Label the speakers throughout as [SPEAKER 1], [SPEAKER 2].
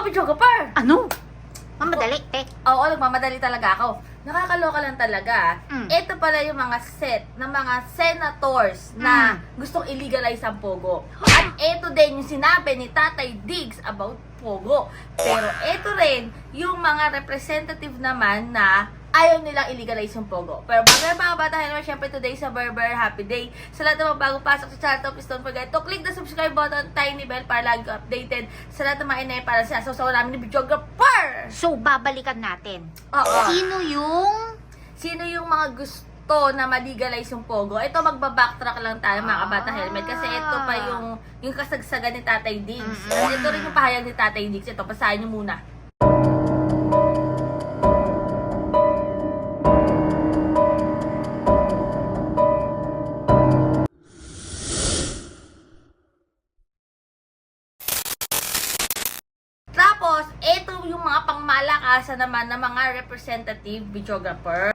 [SPEAKER 1] Bijoga Par!
[SPEAKER 2] Ano? Mamadali, te.
[SPEAKER 1] Oo, nagmamadali talaga ako. Nakakaloka lang talaga. Ito pala yung mga set ng mga senators na gustong illegalize ang Pogo. At ito din yung sinabi ni Tatay Diggs about Pogo. Pero ito rin yung mga representative naman na ayaw nilang illegalize yung Pogo. Pero bago yung mga bata, hello, syempre today sa Berber Happy Day. Sa lahat ng mga bagong pasok sa channel, please don't forget to click the subscribe button, tiny bell para lagi ko updated sa lahat ng mga inay para sa asaw namin ni Bijoga Par!
[SPEAKER 2] So, babalikan natin.
[SPEAKER 1] Oo.
[SPEAKER 2] Sino yung
[SPEAKER 1] Sino yung mga gusto na ma-legalize yung Pogo? Ito, magbabacktrack lang tayo mga kabata helmet. Kasi ito pa yung kasagsagan ni Tatay Diggs. At ito rin yung pahayag ni Tatay Diggs. Ito, basahin nyo muna. Tapos, ito yung mga pangmalakasan naman ng mga representative videographer.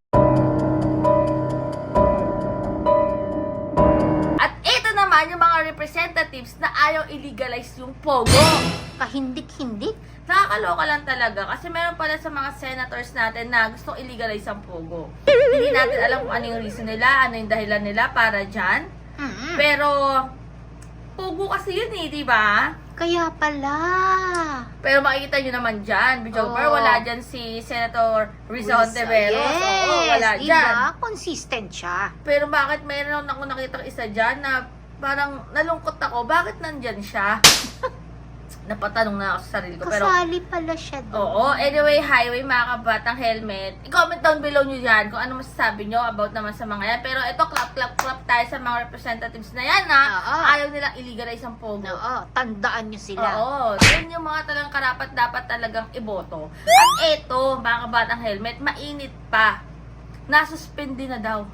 [SPEAKER 1] At ito naman yung mga representatives na ayaw illegalize yung Pogo.
[SPEAKER 2] kahindik-hindik?
[SPEAKER 1] Nakakaloka lang talaga kasi meron pala sa mga senators natin na gustong illegalize ang Pogo. Hindi natin alam kung ano yung reason nila, ano yung dahilan nila para dyan. Pero, Pogo kasi yun eh, di ba?
[SPEAKER 2] Kaya pala.
[SPEAKER 1] Pero makikita nyo naman dyan, Bijoga, wala dyan si Senator Rizal Ontiveros.
[SPEAKER 2] Yes,
[SPEAKER 1] Oo, wala
[SPEAKER 2] diba?
[SPEAKER 1] dyan.
[SPEAKER 2] Consistent siya.
[SPEAKER 1] Pero bakit mayroon ako nakita isa dyan na parang nalungkot ako, bakit nandyan siya? Napatanong na ako sa sarili ko. Pero,
[SPEAKER 2] Kasali pala siya doon.
[SPEAKER 1] oo, anyway, highway mga kabatang helmet. I-comment down below nyo dyan kung ano masasabi nyo about naman sa mga yan. Pero ito, clap tayo sa mga representatives na yan na ayaw nilang illegalize ang Pogo.
[SPEAKER 2] Oo, tandaan nyo sila.
[SPEAKER 1] Oo, yun yung mga talagang karapat dapat talagang iboto. At ito, mga kabatang helmet, mainit pa. Nasuspindi na daw.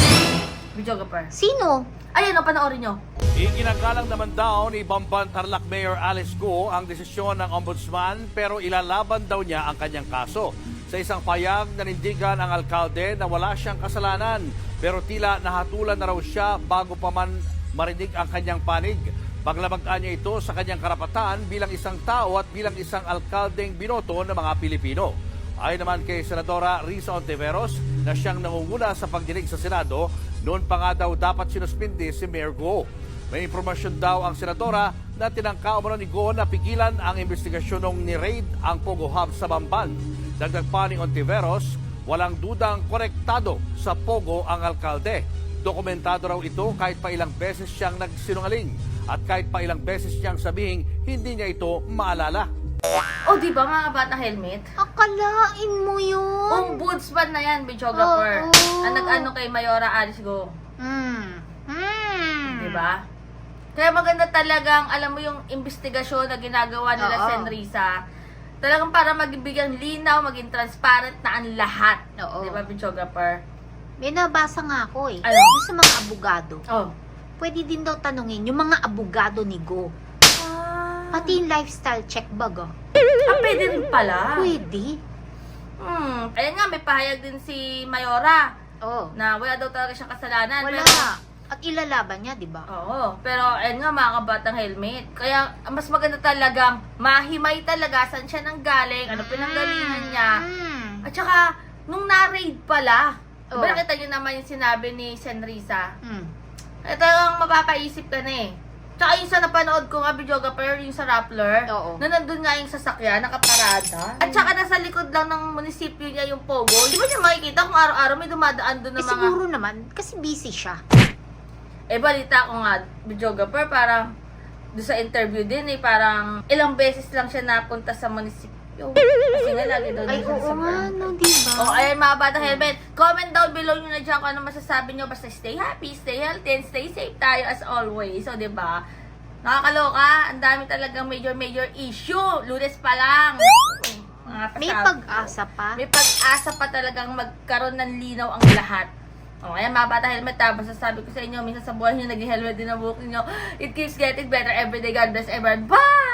[SPEAKER 1] Bijoga Par.
[SPEAKER 2] Sino?
[SPEAKER 1] Ayun, panoorin nyo.
[SPEAKER 3] Iginagalang naman daw ni Bamban Tarlac Mayor Alice Go ang desisyon ng ombudsman pero ilalaban daw niya ang kanyang kaso. Sa isang payag, nanindigan ang alkalde na wala siyang kasalanan pero tila nahatulan na raw siya bago pa man marinig ang kanyang panig. Paglabagaan niya ito sa kanyang karapatan bilang isang tao at bilang isang alkaldeng binoto ng mga Pilipino. Ayon naman kay Senadora Risa Ontiveros na siyang nangunguna sa pagdinig sa Senado, noon pa nga daw dapat sinuspindi si Mayor Go. May impormasyon daw ang Senadora na tinangka umano ni Go na pigilan ang investigasyon nung ni-raid ang Pogo Hub sa Bamban. Dagdag pa ni Ontiveros, walang dudang korektado sa Pogo ang alkalde. Dokumentado raw ito kahit pa ilang beses siyang nagsinungaling at kahit pa ilang beses siyang sabihing hindi niya ito maalala.
[SPEAKER 1] O, di ba mga kabatang helmet?
[SPEAKER 2] Akalain mo yun.
[SPEAKER 1] Ombudsman na yan, Bijoga Par. Ang nag-ano kay Mayora Alice Go. Di ba? Kaya maganda talagang, alam mo yung investigasyon na ginagawa nila Senrisa, talagang para magbigyan linaw, maging transparent na ang lahat.
[SPEAKER 2] Oo.
[SPEAKER 1] Di ba, Bijoga Par?
[SPEAKER 2] May nabasa nga ako eh.
[SPEAKER 1] Ano?
[SPEAKER 2] Yung sa mga abogado.
[SPEAKER 1] Oh.
[SPEAKER 2] Pwede din daw tanungin yung mga abogado ni Go. Pati yung lifestyle check bag
[SPEAKER 1] Pwede rin pala.
[SPEAKER 2] Pwede.
[SPEAKER 1] Ayan nga, may pahayag din si Mayora
[SPEAKER 2] Oo.
[SPEAKER 1] na wala daw talaga siyang kasalanan.
[SPEAKER 2] Wala.
[SPEAKER 1] Pero,
[SPEAKER 2] At ilalaban niya, di ba?
[SPEAKER 1] oo. Pero, ayun nga, mga kabatang helmet. Kaya, mas maganda talagang mahimay talaga saan siya nang galing, ano pinanggalingan niya. At saka, nung na-raid pala, diba nakita niyo naman yung sinabi ni Senrisa? Ito yung mapapaisip ka na eh. Tsaka yung sa napanood ko nga, Bijoga Par, yung sa Rappler, na nandun nga yung sasakyan, nakaparada. At saka nasa likod lang ng munisipyo niya yung Pogo. Di ba niya makikita kung araw-araw may dumadaan doon ng mga...
[SPEAKER 2] Siguro naman, kasi busy siya.
[SPEAKER 1] balita ko nga, Bijoga Par, parang doon sa interview din eh, parang ilang beses lang siya napunta sa munisipyo. Kasi nga lagi daw
[SPEAKER 2] Ay,
[SPEAKER 1] dito
[SPEAKER 2] oo
[SPEAKER 1] sa
[SPEAKER 2] nga, no, diba?
[SPEAKER 1] Oh, ayan mga batang helmet. Comment down below nyo na dyan kung ano masasabi nyo. Basta stay happy, stay healthy, and stay safe tayo as always. So, diba? Nakakaloka. Ang dami talagang major issue. Lunes pa lang.
[SPEAKER 2] May pag-asa pa.
[SPEAKER 1] May pag-asa pa talagang magkaroon ng linaw ang lahat. Oh, ayan mga bata helmet ha. Basta sabi ko sa inyo, minsan sa buhay nyo nag-helmet din ang buhok nyo. It keeps getting better every day. God bless everyone. Bye!